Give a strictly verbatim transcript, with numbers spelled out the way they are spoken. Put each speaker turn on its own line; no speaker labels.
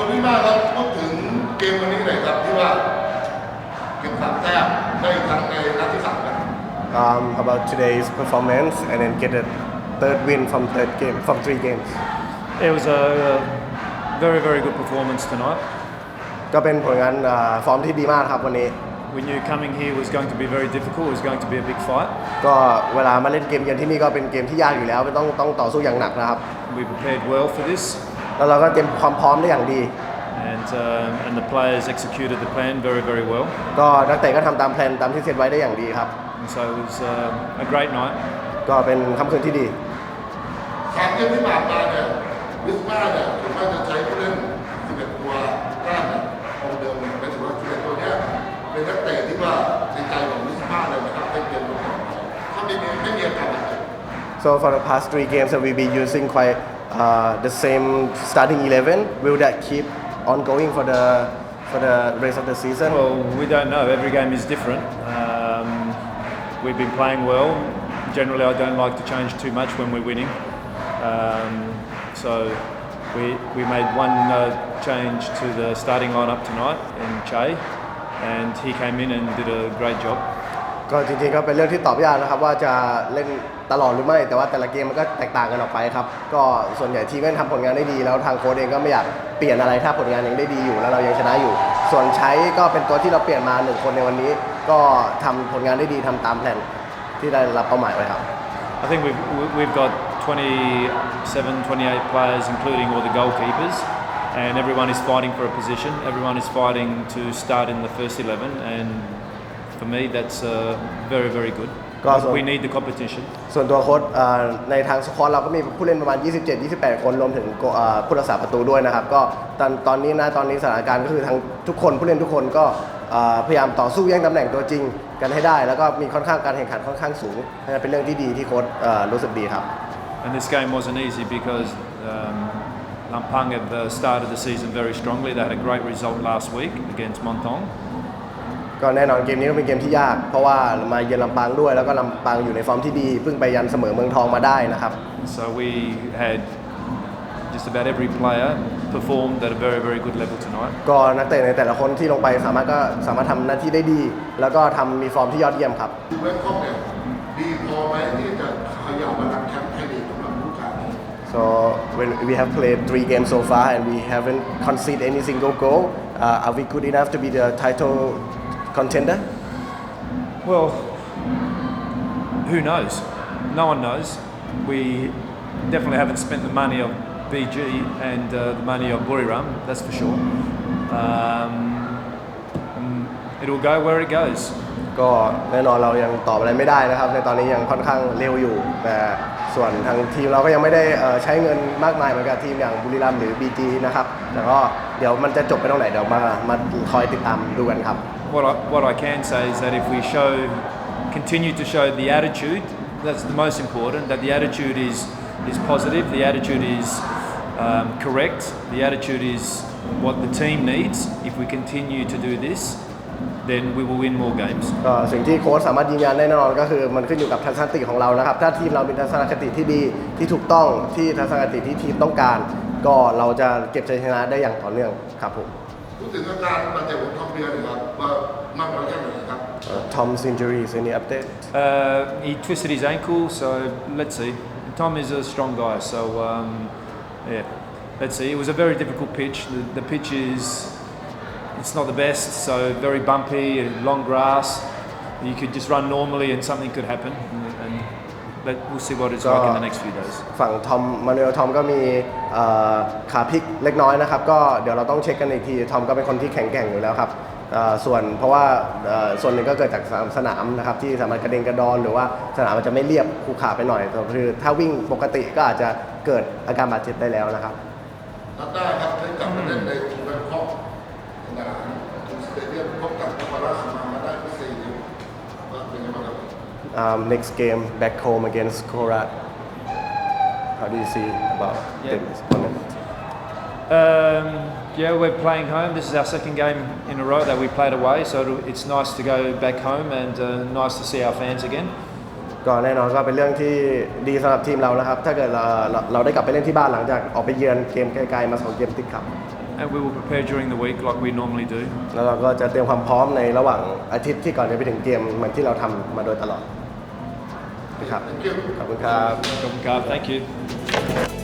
คุณพี่มาครับพูดถึงเกมวันนี้หน่อยครับที่ว่าเก็บสามแต้มได้อีกครั้งในนัดที่สามครับ
Um, about today's performance and then get a third win from third game from three games.
It was a very very good performance tonight.
ก็เป็นผลงานอ่าฟอร์มที่ดีมากครับวันนี้
We knew coming here was going to be very difficult. It was going to be a big fight.
ก็เวลามาเล่นเกมเยือนที่นี่ก็เป็นเกมที่ยากอยู่แล้วต้องต้องต่อสู้อย่างหนักนะครับ
We prepared well for this,
แล้วเราก็เตรียมความพร้อมได้อย่างดี
and uh, and the players executed the plan very very well.
ก็นักเตะก็ทำตามแผนตามที่เซตไว้ได้อย่างดีครับ
And so it was uh, a great night.
ก็เป็นค่ำคืนที่ดี
สามเกมที่ผ่านมาเนี่ยวิสมาเนี่ยผมว่าจะใช้ผู้เล่นสิบเอ็ดตัวแรกเนี่ยคงเดิมเป็นถือว่าสิบเอ็ดตัวเนี้ยเป็นนักเตะที่ว่าในใจของวิสมาเลยนะครับในเกมต่อไปถ้าไม่มีไม่มีอาการอะไร
So for the past three games that we'll be using quite uh, the same starting eleven. Will that keep ongoing for the for the rest of the season?
Well, we don't know. Every game is different. Um, we've been playing well. Generally, I don't like to change too much when we're winning. Um, so we we made one uh, change to the starting lineup tonight in Che, and he came in and did a great job.
ก็จริงๆก็เป็นเรื่องที่ตอบยากนะครับว่าจะเล่นตลอดหรือไม่แต่ว่าแต่ละเกมมันก็แตกต่างกันออกไปครับก็ส่วนใหญ่ทีมก็ทำผลงานได้ดีแล้วทางโค้ชเองก็ไม่อยากเปลี่ยนอะไรถ้าผลงานยังได้ดีอยู่แล้วเรายังชนะอยู่ส่วนใช้ก็เป็นตัวที่เราเปลี่ยนมาหนึ่งคนในวันนี้ก็ทำผลงานได้ดีทำตามแผนที่ได้รับเป้าหมายไว้ครับ
I think we've we've got twenty-seven, twenty-eight players, including all the goalkeepers, and everyone is fighting for a position. Everyone is fighting to start in the first eleven, and for me, that's uh, very, very good. We need the competition.
ส่วนตัวโค้ชในทางสควอตเราก็มีผู้เล่นประมาณ ยี่สิบเจ็ด ยี่สิบแปด คนรวมถึงผู้รักษาประตูด้วยนะครับก็ตอนตอนนี้นะตอนนี้สถานการณ์ก็คือทั้งทุกคนผู้เล่นทุกคนก็พยายามต่อสู้แย่งตำแหน่งตัวจริงกันให้ได้แล้วก็มีค่อนข้างการแข่งขันค่อนข้างสูงนั่นเป็นเรื่องที่ดีที่โค้ชรู้สึกดีครับ
And this game wasn't easy because um, Lampang have uh, started the season very strongly. They had a great result last week against Montong.
ก็แน่นอนเกมนี้ก็เป็นเกมที่ยากเพราะว่ามาเยือนลำปางด้วยแล้วก็ลำปางอยู่ในฟอร์มที่ดีเพิ่งไปยันเสมอเมืองทองมาได้นะครับ
So we had just about every player performed at a very very good level tonight.
ก็นักเตะในแต่ละคนที่ลงไปสามารถก็สามารถทำหน้าที่ได้ดีแล้วก็ทำมีฟอร์มที่ยอดเยี่ยมครับ
เวสคอมเนี่ยดีพอไหมที่จะขยับมาลังแชมป์ไทยลีกสำหรับฤดูกาลนี้
So when we have played three games so far and we haven't conceded any single goal, uh, are we good enough to be the title contender?
Well, who knows? No one knows. We definitely haven't spent the money of B G and uh, the money of Buriram, that's for sure. Um, it'll go where it goes.
ก็แน่นอนเรายังตอบอะไรไม่ได้นะครับในตอนนี้ยังค่อนข้างเร็วอยู่แต่ส่วนทางทีมเราก็ยังไม่ได้ใช้เงินมากมายเหมือนกับทีมอย่างบุรีรัมย์หรือ บี จี นะครับแต่ก็เดี๋ยวมันจะจบไปตรงไหนเดี๋ยวมามาคอยติดตามดูกันครับ
What I, what I can say is that if we show continue to show the attitude, that's the most important, that the attitude is is positive, the attitude is um, correct, the attitude is what the team needs. If we continue to do this, then we will win more games.
ก็สิ่งที่โค้ชสามารถยืนยันได้แน่นอนก็คือมันขึ้นอยู่กับทัศนคติของเรานะครับถ้าทีมเรามีทัศนคติที่ดีที่ถูกต้องที่ทัศนคติที่ทีมต้องการก็เราจะเก็บชัยชนะได้อย่างต่อเนื่องครับผม
พูดถึงอาการบาดเจ็บของทอมเบียร์หน่อยครับว่ามากน้อยแค่ไหนครับ
Tom's injuries any update
Uh, he twisted his ankle, so let's see. Tom is a strong guy, so um, yeah, let's see. It was a very difficult pitch. The, the pitch is it's not the best, so very bumpy, long grass. You could just run normally and something could happen, and, and let, we'll see what it's like in the next few days.
ฝั่งทอมมานูเอลทอมก็มีขาพลิกเล็กน้อยนะครับก็เดี๋ยวเราต้องเช็คกันอีกทีทอมก็เป็นคนที่แข็งแกร่งอยู่แล้วครับส่วนเพราะว่าส่วนหนึ่งก็เกิดจากสนามนะครับที่สามารถกระเด็นกระดอนหรือว่าสนามมันจะไม่เรียบขรุขระไปหน่อยคือถ้าวิ่งปกติก็อาจจะเกิดอาการบาดเจ็บได้แล้วนะครับ
นัดหน้าครับได้กลับมาเล่นในทีมแบงคอกสนามทูสเตเดียมพบกับนครราชสีมามาได้ที่สี่ว่าเป็นยังไงบ้างครับ
um, next game back home against Korat how do you see about
yeah.
this opponent
Um, yeah, we're playing home. This is our second game in a row that we played away, so it's nice to go back home and uh, nice to see our fans again.
ก็แน่นอนก็เป็นเรื่องที่ดีสำหรับทีมเรานะครับถ้าเกิดเราเราเราได้กลับไปเล่นที่บ้านหลังจากออกไปเยือนเกมไกลๆมาสองเกมติดครับ
And we will prepare during the week like we normally do.
แล้วเราก็จะเตรียมความพร้อมในระหว่างอาทิตย์ที่ก่อนจะไปถึงเกมเหมือนที่เราทำมาโดยตลอดนะครับ
Thank you
ขอบคุณครับ
Thank you.